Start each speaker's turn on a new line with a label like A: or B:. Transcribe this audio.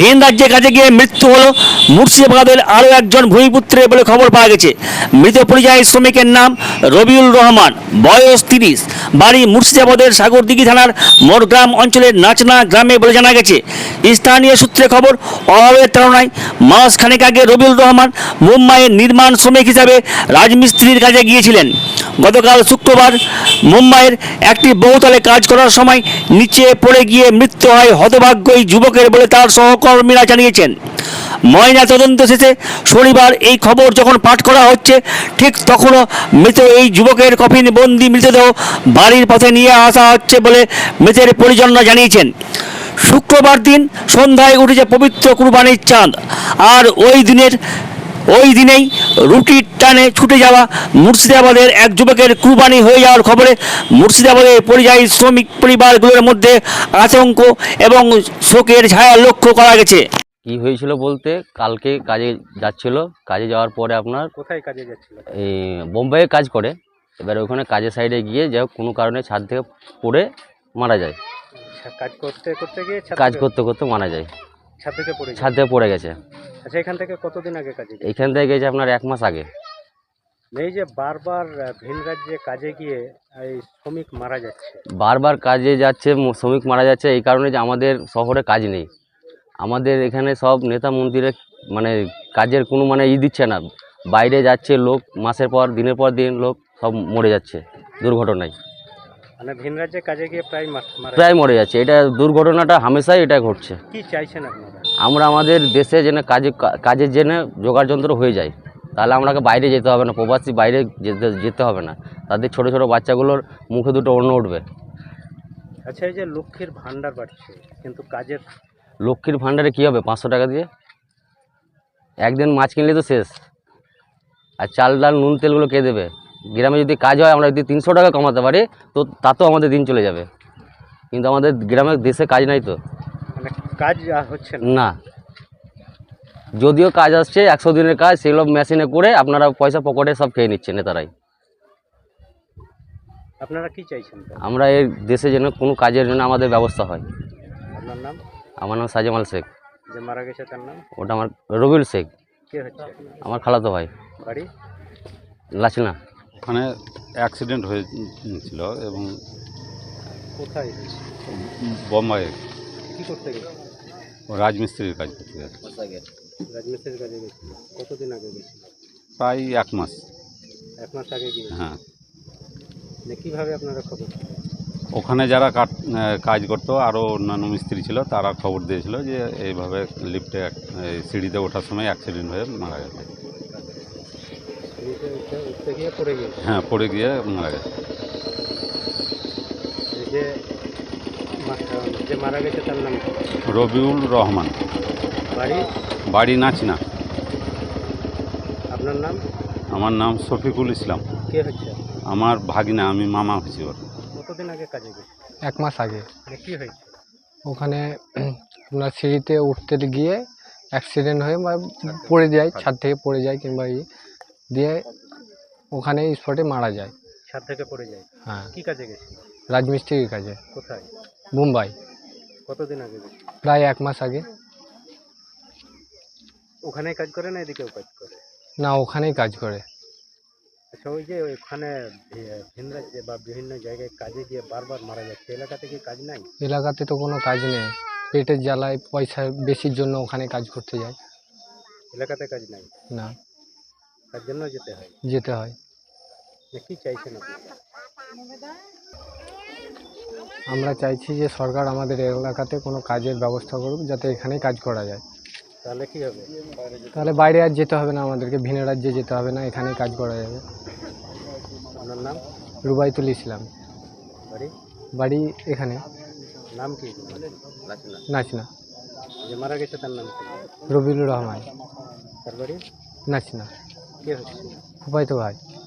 A: ভিন রাজ্যে কাজে গিয়ে মৃত্যু হলো মুর্শিদাবাদের আরও একজন ভূমিপুত্রের বলে খবর পাওয়া গেছে। মৃত পরিযায়ী শ্রমিকের নাম রবিউল রহমান, বয়স 30, বাড়ি মুর্শিদাবাদের সাগরদিঘি থানার মোরগ্রাম অঞ্চলের নাচনা গ্রামে বলে জানা গেছে। স্থানীয় সূত্রে খবর, অভাবের তাড়নায় মাস খানেক আগে রবিউল রহমান মুম্বাইয়ের নির্মাণ শ্রমিক হিসাবে রাজমিস্ত্রির কাজে গিয়েছিলেন। গতকাল শুক্রবার মুম্বাইয়ের একটি বহুতলে কাজ করার সময় নিচে পড়ে গিয়ে মৃত্যু হয় হতভাগ্য এই যুবকের বলে তার সহকর্মীরা জানিয়েছেন। ময়না তদন্ত শেষে শনিবার এই খবর যখন পাঠ করা হচ্ছে, ঠিক তখনও মৃত এই যুবকের কফিন বন্দি মৃতদেহ বাড়ির পথে নিয়ে আসা হচ্ছে বলে মৃতের পরিজনরা জানিয়েছেন। শুক্রবার দিন সন্ধ্যায় উঠেছে পবিত্র কুরবানির চাঁদ, আর ওই দিনেই রুটির টানে ছুটে যাওয়া মুর্শিদাবাদের এক যুবকের কুরবানি হয়ে যাওয়ার খবরে মুর্শিদাবাদের পরিযায়ী শ্রমিক পরিবারগুলোর মধ্যে আতঙ্ক এবং শোকের ছায়া লক্ষ্য করা গেছে।
B: কি হয়েছিল বলতে, কালকে কাজে যাচ্ছিল, কাজে যাওয়ার পরে আপনার
C: কোথায় কাজে যাচ্ছিল?
B: এই বোম্বাইয়ে কাজ করে। এবার ওখানে কাজের সাইডে গিয়ে যাই হোক কোনো কারণে ছাদ থেকে পড়ে মারা যায়।
C: কাজ করতে করতে গিয়ে
B: কাজ করতে করতে মারা যায়,
C: ছাদ থেকে পড়ে
B: ছাদ থেকে পড়ে গেছে।
C: আচ্ছা, এখান থেকে কতদিন আগে কাজে গেছে?
B: এইখান থেকে গেছে আপনার 1 মাস আগে।
C: এই যে বারবার ভিন রাজ্যে কাজে গিয়ে এই শ্রমিক মারা যাচ্ছে,
B: বারবার কাজে যাচ্ছে, শ্রমিক মারা যাচ্ছে এই কারণে যে আমাদের শহরে কাজ নেই। আমাদের এখানে সব নেতা মন্ত্রীরা মানে কাজের কোনো মানে দিচ্ছে না। বাইরে যাচ্ছে লোক, মাসের পর দিনের পর দিন লোক সব মরে যাচ্ছে দুর্ঘটনায়।
C: মানে ভিন রাজ্যে কাজে গিয়ে প্রায়
B: প্রায় মরে যাচ্ছে। এটা দুর্ঘটনাটা হামেশাই এটা ঘটছে।
C: কি চাইছেন আপনারা?
B: আমরা আমাদের দেশে যেন কাজের জন্য জোগাড় যন্ত্র হয়ে যায়, তাহলে আমাকে বাইরে যেতে হবে না, প্রবাসী বাইরে যেতে হবে না। তাদের ছোট ছোট বাচ্চাগুলোর মুখে দুটো অন্ন উঠবে।
C: আচ্ছা, এই যে লক্ষ্মীর ভান্ডার বাড়ছে, কিন্তু কাজের
B: লক্ষ্মীর ভাণ্ডারে কী হবে 500 টাকা দিয়ে? একদিন মাছ কিনলে তো শেষ, আর চাল ডাল নুন তেলগুলো কে দেবে? গ্রামে যদি কাজ হয়, আমরা যদি 300 টাকা কমাতে পারি তো তাতেও আমাদের দিন চলে যাবে। কিন্তু আমাদের গ্রামের দেশে কাজ নাই তো,
C: মানে কাজ হচ্ছে না।
B: না। যদিও কাজ আসছে 100 দিনের কাজ, সেগুলো মেশিনে করে আপনারা পয়সা পকেটে সব খেয়ে নিচ্ছে নেতারাই।
C: আপনারা কি চাইছেন?
B: আমরা এই দেশে যেন কোনো কাজের জন্য আমাদের ব্যবস্থা হয়।
C: আপনার নাম?
B: আমার নাম সাজেমাল শেখ।
C: যে মারা গেছে তার নাম?
B: ওটা আমার রবিউল শেখ,
C: কে হচ্ছে?
B: আমার খালাতো ভাই।
C: বাড়ি
B: লাচনা।
D: ওখানে অ্যাক্সিডেন্ট হয়েছিল এবং
C: কোথায় হয়েছে?
D: বোম্বাইয়ে
C: কি করতে গেছে?
D: রাজমিস্ত্রির কাজ করতে গেছে।
C: রাজমিস্ত্রির কাজে গেছিল। কতদিন আগে গেছিল?
D: প্রায় 1 মাস।
C: 1 মাস আগে গিয়ে
D: হ্যাঁ,
C: কীভাবে আপনারা খবর?
D: ওখানে যারা কাজ করতো আরও অন্যান্য মিস্ত্রি ছিল, তারা খবর দিয়েছিল যে এইভাবে লিফটে সিঁড়িতে ওঠার সময় অ্যাক্সিডেন্ট হয়ে মারা গেছে।
C: উঠতে গিয়ে পড়ে গিয়েছে?
D: হ্যাঁ, পড়ে গিয়ে মারা গেছে।
C: এই যে যে মারা গেছে তার নাম?
D: রবিউল রহমান।
C: বাড়ি?
D: বাড়ি নাচনা।
C: আপনার নাম?
D: আমার নাম শফিকুল ইসলাম।
C: কে হচ্ছে?
D: আমার ভাগিনা, আমি মামা হচ্ছি ওর।
C: কতদিন আগে কাজে গেছে?
E: 1 মাস আগে।
C: কি হয়েছে?
E: ওখানে আপনার সিঁড়িতে উঠতে গিয়ে অ্যাক্সিডেন্ট হয়ে বা পড়ে যায়, ছাদ থেকে পড়ে যায় কিংবা দিয়ে ওখানে স্পটে মারা যায়।
C: ছাদ থেকে পড়ে যায়?
E: হ্যাঁ।
C: কি কাজে গেছে?
E: রাজমিস্ত্রির কাজে।
C: কোথায়?
E: মুম্বাই।
C: কতদিন আগে গেছে?
E: প্রায় 1 মাস আগে।
C: ওখানেই কাজ করে না এদিকেও কাজ করে?
E: না, ওখানেই কাজ করে।
C: আচ্ছা, ওই যে ওখানে ভিন রাজ্যে বা বিভিন্ন জায়গায় কাজে গিয়ে বারবার মারা যাচ্ছে, এলাকাতে কি কাজ নাই?
E: এলাকাতে তো কোনো কাজ নেই, পেটের জ্বালায় পয়সা বেশির জন্য ওখানে কাজ করতে যায়।
C: এলাকাতে কাজ নাই?
E: না,
C: তার জন্য যেতে হয়?
E: যেতে হয়।
C: কি চাইছেন আপনারা?
E: আমরা চাইছি যে সরকার আমাদের এলাকাতে কোনো কাজের ব্যবস্থা করুক, যাতে এখানেই কাজ করা যায়।
C: তাহলে কি হবে?
E: তাহলে বাইরে আর যেতে হবে না, আমাদেরকে ভিন রাজ্যে যেতে হবে না, এখানেই কাজ করা যাবে।
C: আপনার নাম?
E: রুবাইতুল ইসলাম।
C: বাড়ি?
E: বাড়ি এখানে
C: নাম কি?
E: নাচনা।
C: যে মারা গেছে তার নাম কি?
E: রবিউল রহমান।
C: তার বাড়ি
E: নাচনা।
C: কে হচ্ছে?
E: ফুফাইতো ভাই।